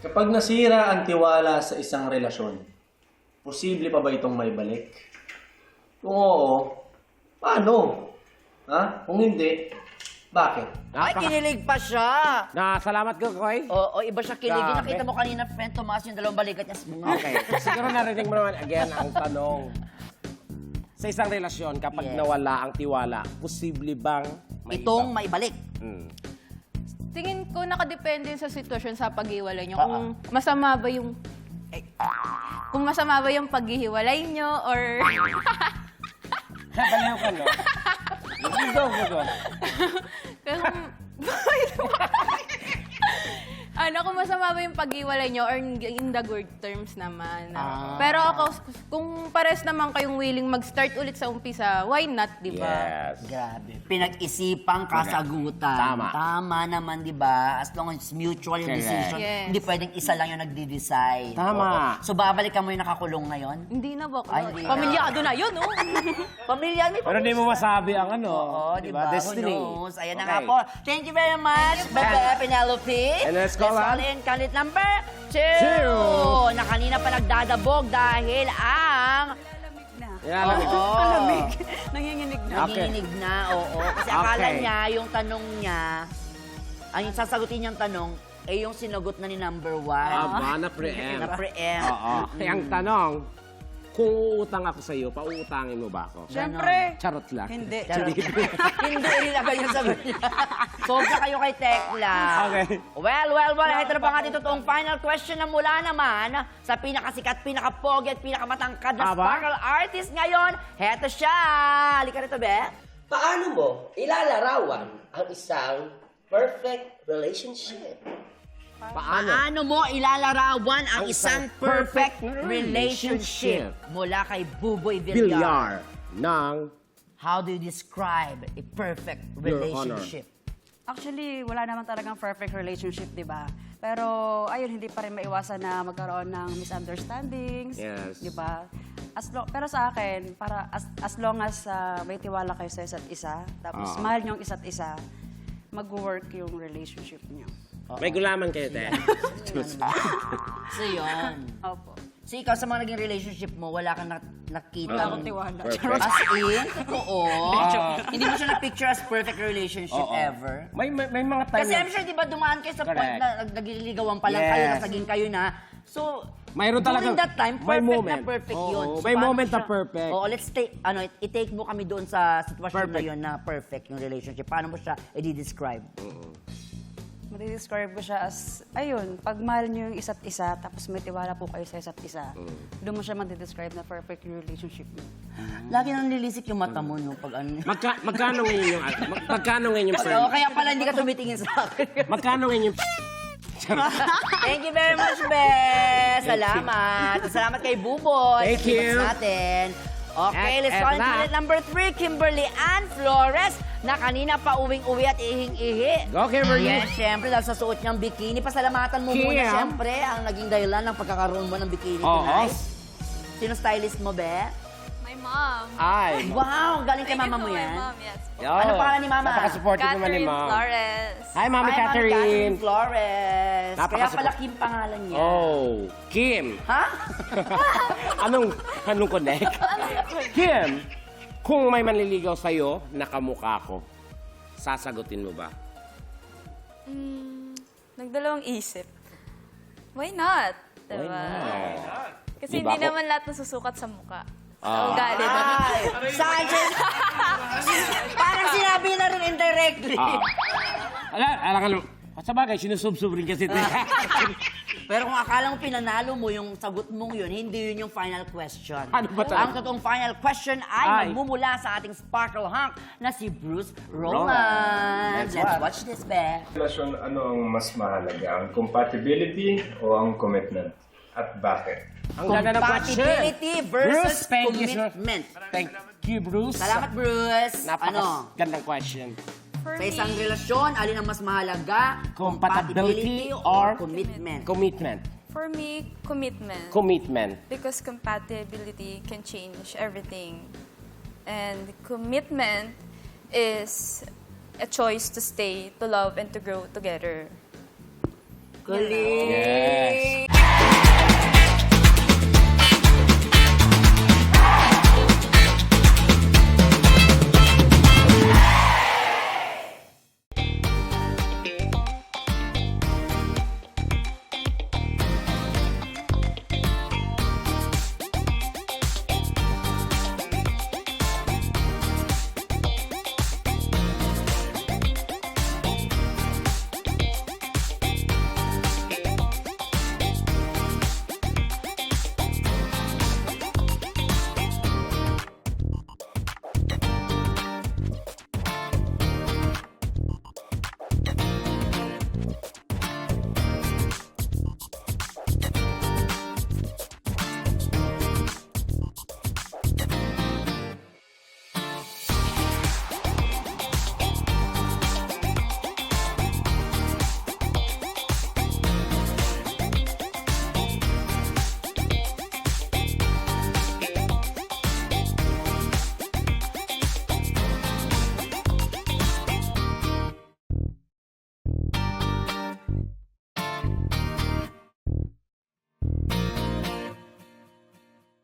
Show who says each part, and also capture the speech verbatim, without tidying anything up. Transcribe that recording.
Speaker 1: Kapag nasira ang tiwala sa isang relasyon, posible pa ba itong maibalik? Kung oo, paano? Ha? Kung hindi, bakit?
Speaker 2: Ay, kinilig pa siya.
Speaker 3: Na, salamat ko, Koy.
Speaker 2: Oo, iba siya kilig.
Speaker 3: Grabe.
Speaker 2: Nakita mo kanina, friend Tomas, yung dalawang balikat niya sa bunga.
Speaker 3: Okay. Siguro narinig mo naman again ang tanong. Sa isang relasyon, kapag
Speaker 2: Yes.
Speaker 3: nawala ang tiwala, posible bang may
Speaker 2: Itong
Speaker 3: iba?
Speaker 2: maibalik.
Speaker 3: Hmm.
Speaker 4: Tingin ko nakadepende sa sitwasyon sa paghiwalay nyo.
Speaker 2: Oo.
Speaker 4: Kung masama ba yung... eh, kung masama ba yung paghihiwalay nyo or...
Speaker 3: Baliw ka, no? Go, go, go.
Speaker 4: kung... ano, kung masama ba yung paghiwalay nyo or in the good terms naman.
Speaker 3: Ah.
Speaker 4: Pero ako, kung pares naman kayong willing mag-start ulit sa umpisa, why not, di ba?
Speaker 3: Yes.
Speaker 2: Grabe. Pinag-isipang kasagutan.
Speaker 3: Tama.
Speaker 2: Tama naman, di ba? As long as mutual yung
Speaker 3: Correct.
Speaker 2: decision,
Speaker 4: Yes.
Speaker 2: hindi pwedeng isa lang yung nagdi-decide.
Speaker 3: Tama.
Speaker 2: Oo. So, babalikan mo yung nakakulong ngayon?
Speaker 4: Hindi na ba?
Speaker 2: Ay, hindi na.
Speaker 4: Pamilyado na yun, oh.
Speaker 2: Pamilya, may
Speaker 3: Pero di mo masabi ang ano.
Speaker 2: Oo, di ba?
Speaker 3: Destiny.
Speaker 2: Who knows? Ayan na
Speaker 3: Okay.
Speaker 2: nga po. Thank you very much, Bebe Penelope.
Speaker 3: And let's call
Speaker 2: call
Speaker 3: on-
Speaker 2: in candidate number two.
Speaker 3: Two.
Speaker 2: Na kanina pa nagdadabog dahil ang...
Speaker 3: Yan, alam mo.
Speaker 2: Oo.
Speaker 4: Nanginginig na.
Speaker 3: Okay.
Speaker 2: Nanginginig na, oo. Kasi akala
Speaker 3: Okay.
Speaker 2: niya, yung tanong niya, ang yung sasagutin niyang tanong, eh yung sinagot na ni number one.
Speaker 3: Aba, na-preempt.
Speaker 2: Na-preempt.
Speaker 3: Oo. Kaya ang tanong, kung uutang ako sa'yo, pauutangin mo ba ako?
Speaker 4: Siyempre.
Speaker 3: Charot lang.
Speaker 4: Hindi.
Speaker 2: Charot. Hindi, ilagay yung sagot niya. Sobra kayo kay Tekla.
Speaker 3: Okay.
Speaker 2: Well, well, well. Ito na pa nga dito toong final question na mula naman sa pinakasikat, pinakapogi at pinakamatangkad na
Speaker 3: Aba?
Speaker 2: sparkle artist ngayon. Heto siya. Halika rito, Be.
Speaker 5: Paano mo ilalarawan ang isang perfect relationship?
Speaker 3: Paano?
Speaker 2: Paano mo ilalarawan ang
Speaker 3: Ang
Speaker 2: isang
Speaker 3: isang
Speaker 2: perfect
Speaker 3: perfect
Speaker 2: relationship?
Speaker 3: relationship.
Speaker 2: Mula kay Buboy Villar.
Speaker 3: Bilyar ng
Speaker 2: How do you describe a perfect
Speaker 3: Your
Speaker 2: relationship?
Speaker 6: Actually, wala naman talagang perfect relationship, di ba? Pero, ayun, hindi pa rin maiwasan na magkaroon ng misunderstandings.
Speaker 3: Yes.
Speaker 6: Di ba? As lo- pero sa akin, para as, as long as ah, may tiwala kayo sa isa't isa, tapos
Speaker 3: Oo.
Speaker 6: mahal niyo ang isa't isa, mag-work yung relationship niyo.
Speaker 3: May gulaman kayo, te.
Speaker 2: So, yun.
Speaker 6: Opo.
Speaker 2: So, ikaw sa mga naging relationship mo, wala kang nak- nakita.
Speaker 6: Wala akong tiwala.
Speaker 3: Perfect.
Speaker 2: As in, totoo. Hindi mo siya na-picture as perfect relationship
Speaker 3: Oo.
Speaker 2: ever.
Speaker 3: May, may, may mga time
Speaker 2: Kasi
Speaker 3: na-
Speaker 2: I'm sure, di ba, dumaan kayo sa point
Speaker 3: Correct.
Speaker 2: na nag- nagliligawan pa lang kayo,
Speaker 3: Yes.
Speaker 2: nas naging kayo na. So,
Speaker 3: Mayroon
Speaker 2: during
Speaker 3: talagang-
Speaker 2: that time,
Speaker 3: may
Speaker 2: perfect
Speaker 3: moment.
Speaker 2: na perfect
Speaker 3: Oo,
Speaker 2: yun.
Speaker 3: may
Speaker 2: paano
Speaker 3: moment na
Speaker 2: siya-
Speaker 3: perfect.
Speaker 2: Oo, let's take, ano, i-take mo kami doon sa sitwasyon
Speaker 3: Perfect.
Speaker 2: na yun na perfect yung relationship. Paano mo siya i-describe?
Speaker 6: Madi-describe ko siya as, ayun, pag mahal niyo yung isa't isa, tapos may tiwala po kayo sa isa't isa, doon mo siya madi-describe na perfect yung relationship niyo.
Speaker 2: Lagi nang lilisik yung mata mo, no? Pag ano.
Speaker 3: Magka, magkano ngayon yung... Mag, magkano ngayon yung...
Speaker 2: Oo, kaya pala hindi ka tumitingin sa akin.
Speaker 3: Magkano ngayon yung...
Speaker 2: Thank you very much, Be. Salamat. Salamat kay Buboy.
Speaker 3: Thank
Speaker 2: sa
Speaker 3: you.
Speaker 2: tips natin. Okay,
Speaker 3: At-
Speaker 2: let's
Speaker 3: at
Speaker 2: go on to
Speaker 3: na.
Speaker 2: unit number three, Kimberly Ann Flores, na kanina pa uwing-uwi at ihing-ihi.
Speaker 3: Go, Kimberly.
Speaker 2: Yes, syempre, dahil sa suot niyang bikini. Pasalamatan mo
Speaker 3: Kim.
Speaker 2: muna, syempre, ang naging dahilan ng pagkakaroon mo ng bikini
Speaker 3: Oo.
Speaker 2: tonight. Sino stylist mo, Be?
Speaker 4: My mom.
Speaker 3: Ay.
Speaker 2: Wow, galing kay mama mo yan.
Speaker 4: yes.
Speaker 3: Yo.
Speaker 2: Ano pangalan ni Mama?
Speaker 3: Napaka-supportive naman ni
Speaker 4: Catherine
Speaker 3: Mom.
Speaker 4: Flores.
Speaker 3: Hi, Mami
Speaker 2: Hi,
Speaker 3: Catherine.
Speaker 2: Catherine Flores. Kaya
Speaker 3: Napaka-support-
Speaker 2: pala Kim pangalan niya.
Speaker 3: Oh, Kim.
Speaker 2: Ha?
Speaker 3: anong, anong connect? Kim, kung may manliligaw sa'yo, nakamukha ko, sasagutin mo ba?
Speaker 7: Mm, nagdalawang isip. Why not?
Speaker 3: Why
Speaker 7: Diba?
Speaker 3: not?
Speaker 7: Kasi
Speaker 3: Diba
Speaker 7: hindi
Speaker 3: ako-
Speaker 7: naman lahat nasusukat sa mukha.
Speaker 3: Ah.
Speaker 7: Sa ugali.
Speaker 2: Ay, saan siya? Parang sinabi na rin indirectly.
Speaker 3: Ah. Ala, alam ano, sa bagay, sinusubsub rin kasi.
Speaker 2: Pero kung akala mo pinanalo mo yung sagot mong yun, hindi yun yung final question.
Speaker 3: Ano ba talaga?
Speaker 2: Ang totoong final question ay,
Speaker 3: Ay.
Speaker 2: magmumula sa ating Sparkle Hunk na si Bruce
Speaker 3: Roman.
Speaker 2: Roman.
Speaker 3: Let's
Speaker 2: Let's
Speaker 3: watch.
Speaker 2: watch this, Be.
Speaker 8: Relasyon, ano ang mas mahalaga? Ang compatibility o ang commitment? At bakit?
Speaker 3: Ang ganda ng question.
Speaker 2: Compatibility versus
Speaker 3: Bruce, thank you, sir.
Speaker 2: commitment.
Speaker 3: Thank you, Bruce.
Speaker 2: Salamat, Bruce. Ano?
Speaker 3: Napakagandang question.
Speaker 7: For
Speaker 2: Sa isang
Speaker 7: me,
Speaker 2: relasyon, alin ang mas mahalaga?
Speaker 3: Compatibility
Speaker 2: or
Speaker 3: or
Speaker 2: commitment?
Speaker 3: Commitment.
Speaker 7: for me, commitment.
Speaker 3: Commitment.
Speaker 7: Because compatibility can change everything. And commitment is a choice to stay, to love, and to grow together.
Speaker 2: Galing!
Speaker 3: Yes.